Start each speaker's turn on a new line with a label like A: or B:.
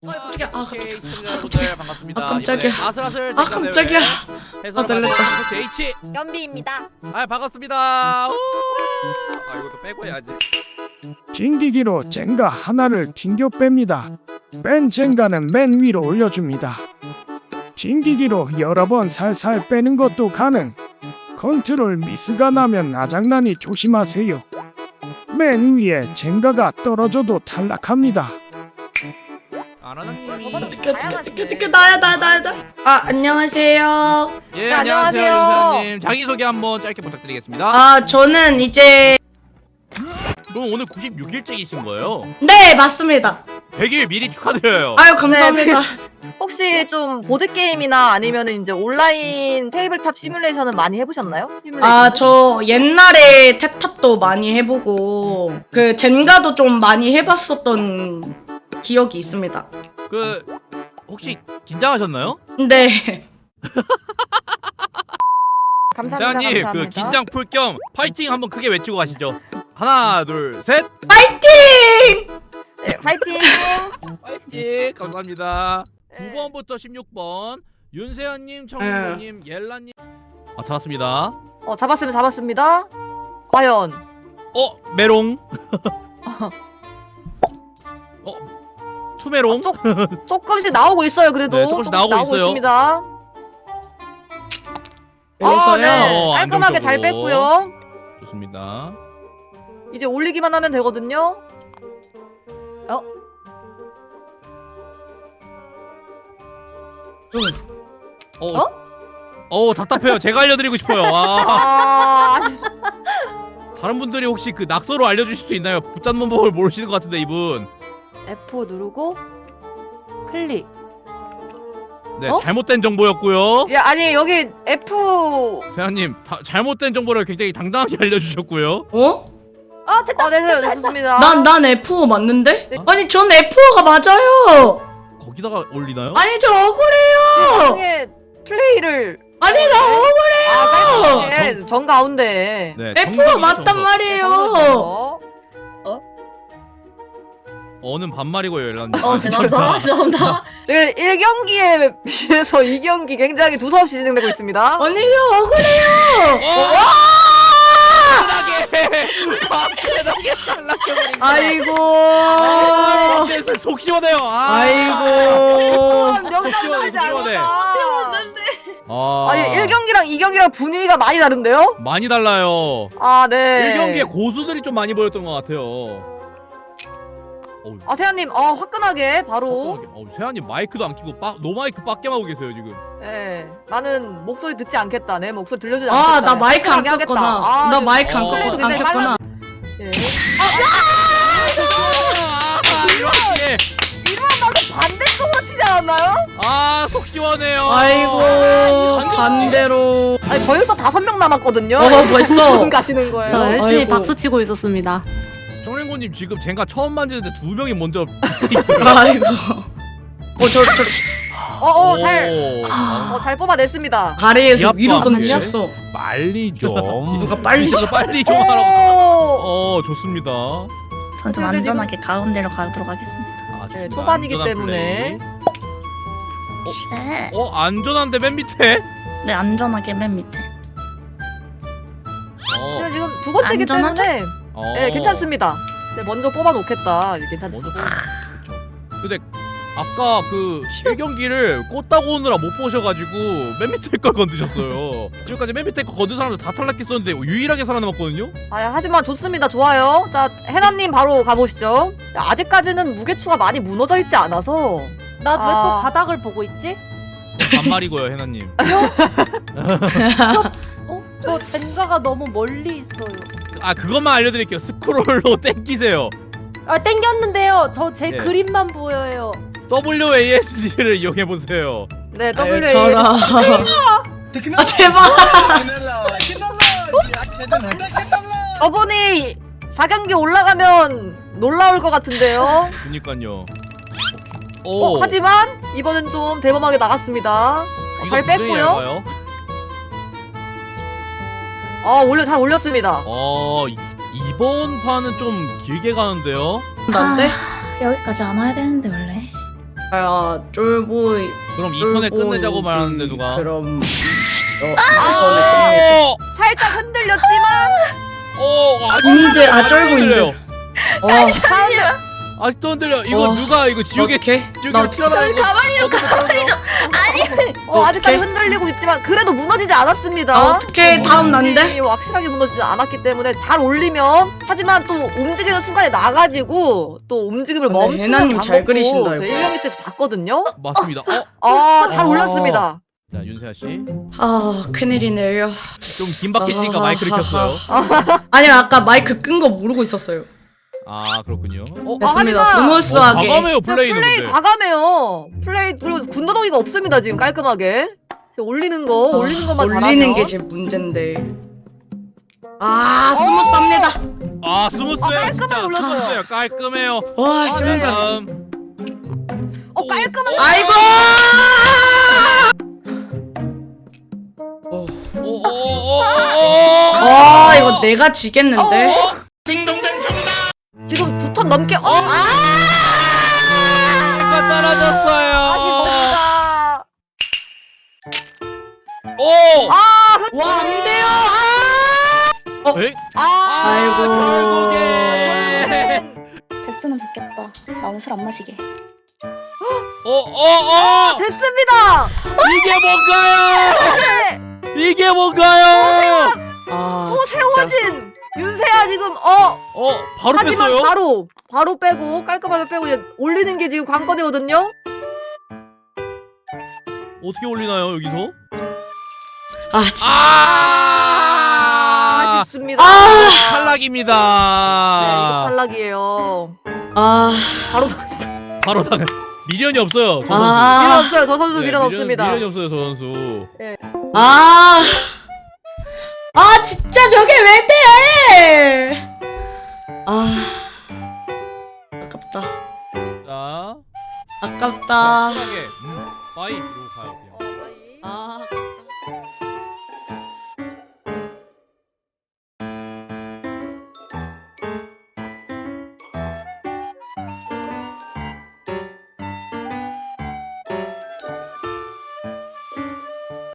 A: 깜짝이야.
B: 깜짝이야. 반갑습니다.
A: 깜짝이야.
B: 아슬아슬
A: 깜짝이야.
B: 해설
A: 놀랬다.
B: JH.
C: 연비입니다.
B: 반갑습니다. 이것도 빼고 해야지.
D: 튕기기로 젠가 하나를 튕겨 뺍니다. 뺀 젠가는 맨 위로 올려줍니다. 튕기기로 여러 번 살살 빼는 것도 가능. 컨트롤 미스가 나면 아장난이 조심하세요. 맨 위에 젠가가 떨어져도 탈락합니다.
B: 아나나님.
A: 나야. 아, 안녕하세요.
B: 예,
C: 안녕하세요.
B: 윤사님. 자기 소개 한번 짧게 부탁드리겠습니다.
A: 아, 저는 이제
B: 그럼 오늘 96일째이신 거예요?
A: 네, 맞습니다.
B: 100일 미리 축하드려요.
A: 아유, 감사합니다.
C: 혹시 좀 보드 게임이나 아니면 이제 온라인 테이블탑 시뮬레이션은 많이 해보셨나요?
A: 아, 저 옛날에 탭탑도 많이 해보고 그 젠가도 좀 많이 해봤었던 기억이 있습니다.
B: 그 혹시 긴장하셨나요?
A: 네.
C: 감사합니다.
B: 재환님, 그 긴장 풀 겸 파이팅 한번 크게 외치고 가시죠. 하나, 둘, 셋.
A: 파이팅!
C: 네, 파이팅.
B: 파이팅. 감사합니다.
C: 네.
B: 9번부터 16번 윤세현님, 청윤님, 옐라님. 잡았습니다.
C: 잡았습니다. 과연
B: 메롱. 투메롱.
C: 조금씩 나오고 있어요. 그래도
B: 네, 조금씩 나오고 있어요.
C: 있습니다.
A: 여기서요?
C: 네. 깔끔하게 잘
B: 안정적으로.
C: 뺐고요.
B: 좋습니다.
C: 이제 올리기만 하면 되거든요.
B: 답답해요. 제가 알려드리고 싶어요. 다른 분들이 혹시 그 낙서로 알려주실 수 있나요? 붙잡는 법을 모르시는 것 같은데 이분.
E: F 누르고 클릭.
B: 네, 잘못된 정보였고요.
C: 예, 아니 여기 F.
B: 세아님, 잘못된 정보를 굉장히 당당하게 알려주셨고요.
A: 어?
E: 됐다.
C: 네, 좋습니다.
A: 난 F5 맞는데? 아니, 전 F5가 맞아요.
B: 거기다가 올리나요?
A: 아니, 저 억울해요.
C: 나중에 플레이를.
A: 아니, 나 억울해요.
C: 네, 정 가운데.
B: 네,
A: F5
B: 정답이죠,
A: 맞단
B: 정답.
A: 말이에요.
B: 어는 반말이고요, 옐라님.
C: 죄송합니다. 1경기에 비해서 2경기 굉장히 두서없이 진행되고 있습니다.
A: 아니, 저 억울해요.
B: 대단하게 탈락해버린.
A: 아이고.
B: 속 시원해요.
A: 아이고.
C: 명당하지
B: 시원해.
C: 않았다.
B: 아니,
C: 1경기랑 2경기랑 분위기가 많이 다른데요?
B: 많이 달라요.
C: 네.
B: 1경기에 고수들이 좀 많이 보였던 것 같아요.
C: 세아님, 화끈하게 바로.
B: 세아님 마이크도 안 켜고 노마이크 빡겜 하고 계세요 지금.
C: 네. 나는 목소리 듣지 않겠다. 내 목소리 들려주지 않겠다.
A: 아, 나 마이크 안
C: 하겠다.
A: 켰구나. 나 마이크 안
B: 플레이도
A: 켰구나.
C: 예.
B: 이렇게.
C: 반대쪽으로 치지 않았나요?
B: 속 시원해요.
A: 아이고, 반대로.
C: 아니, 벌써 5명 남았거든요.
A: 벌써.
C: 지금 가시는 거예요.
E: 저 열심히
A: 아이고.
E: 박수 치고 있었습니다.
B: 정랭고님 지금 젠가 처음 만지는데 2명이 먼저 있어요.
A: 아이고.
C: 잘 뽑아냈습니다.
A: 아래에서
B: 기합도
A: 위로
B: 안
A: 던졌어.
D: 빨리 좀.
A: 누가 빨리
B: 이거 빨리 좀 하라고. 좋습니다.
F: 전 좀 안전하게 가운데로 가도록 하겠습니다.
C: 네,
B: 좋습니다.
C: 초반이기
B: 안전한
C: 때문에.
B: 플레이.
F: 네.
B: 안전한데 맨 밑에.
F: 네, 안전하게 맨 밑에.
C: 지금 두 번째기
F: 안전하죠?
C: 때문에 네, 괜찮습니다. 네, 먼저 뽑아놓겠다. 괜찮죠.
B: 먼저 그렇죠. 근데 아까 그 1경기를 꽂다고 오느라 못 보셔가지고 맨 밑에 걸 건드셨어요. 지금까지 맨 밑에 거 건든 사람들 다 탈락했었는데 유일하게 살아남았거든요.
C: 하지만 좋습니다. 좋아요. 자, 해나님 바로 가보시죠. 아직까지는 무게추가 많이 무너져 있지 않아서.
E: 나 왜 또 바닥을 보고 있지?
B: 반말이고요, 해나님.
E: 저 젠가가 너무 멀리 있어요.
B: 그것만 알려드릴게요. 스크롤로 땡기세요.
E: 땡겼는데요. 저 제
B: 네.
E: 그림만 보여요.
B: WASD를 이용해보세요.
C: 네,
A: 아유,
C: WA.
A: 저라. 아, 대박.
C: 저분이 4경기 올라가면 놀라울 것 같은데요.
B: 그니까요.
C: 하지만 이번엔 좀 대범하게 나갔습니다. 잘 뺐고요. 잘 올렸습니다.
B: 이번 판은 좀 길게 가는데요.
A: 난데?
F: 여기까지 안 와야 되는데 원래.
A: 야 쫄보이
B: 그럼 2턴에 끝내자고 말하는데 누가?
A: 그럼 이번에
B: 어!
C: 살짝 흔들렸지만
A: 인들, 아, 쫄고
B: 흔들려요.
A: 끝내겠다.
B: 아직도 흔들려. 이거 누가 이거 지우개
A: 어떻게? 나
B: 튀어나온 거.
F: 가만히요,
B: 가만히요.
C: 아직까지
A: 어떡해?
C: 흔들리고 있지만 그래도 무너지지 않았습니다.
A: 아, 어떻게 다음 난데?
C: 느낌이 확실하게 무너지지 않았기 때문에 잘 올리면 하지만 또 움직이는 순간에 나가지고 또 움직임을
A: 근데
C: 멈추는
A: 해나님 잘
C: 방법도
A: 그리신다,
C: 저희
A: 이거.
C: 1명 때서 봤거든요.
B: 맞습니다.
C: 잘
B: 어.
C: 올랐습니다.
B: 자 윤세아 씨.
A: 아 큰일이네요.
B: 좀 긴박해지니까 마이크를 켰어요.
A: 아니요 아까 마이크 끈 거 모르고 있었어요.
B: 아 그렇군요.
A: 됐습니다.
C: 하지만-
A: 스무스하게.
B: 과감해요 플레이는
C: 플레이
B: 근데.
C: 과감해요. 플레이 그리고 군더더기가 없습니다 지금 깔끔하게. 올리는 것만
A: 올리는
C: 잘하면.
A: 게 제 문제인데. 아 스무스합니다.
B: 아 스무스해요
C: 깔끔하게
B: 진짜.
C: 올랐어요.
B: 스무스해요. 깔끔해요.
A: 와
C: 네.
A: 진짜.
B: 다음.
C: 깔끔한.
A: 아이고. 아 이거 내가 지겠는데.
C: 지금 2턴 넘게.
B: 이거 떨어졌어요.
C: 아쉽습니다.
B: 오.
A: 와 안 돼요.
B: 에이?
A: 아이고.
B: 결국에.
F: 됐으면 좋겠다. 나 오늘 술 안 마시게.
C: 됐습니다.
B: 이게 뭔가요? 이게 뭔가요?
A: 아 진짜.
C: 세워진 윤세아 지금
B: 바로
C: 하지만
B: 뺐어요?
C: 바로 빼고 깔끔하게 빼고 이제 올리는 게 지금 관건이거든요.
B: 어떻게 올리나요 여기서?
A: 아 진짜.
C: 아쉽습니다.
B: 탈락입니다.
C: 네, 이거 탈락이에요.
A: 아.
B: 바로 탈락. 미련이 없어요. 저 선수.
C: 미련
A: 아.
C: 없어요. 저 선수
B: 네,
C: 미련 없습니다.
B: 미련이 없어요 저 선수.
A: 아. 아 진짜 저게 왜 돼? 아. 아깝다.
B: 자.
A: 아깝다.
B: 편하게. 빠이 이러고 가요 그냥.
A: 아.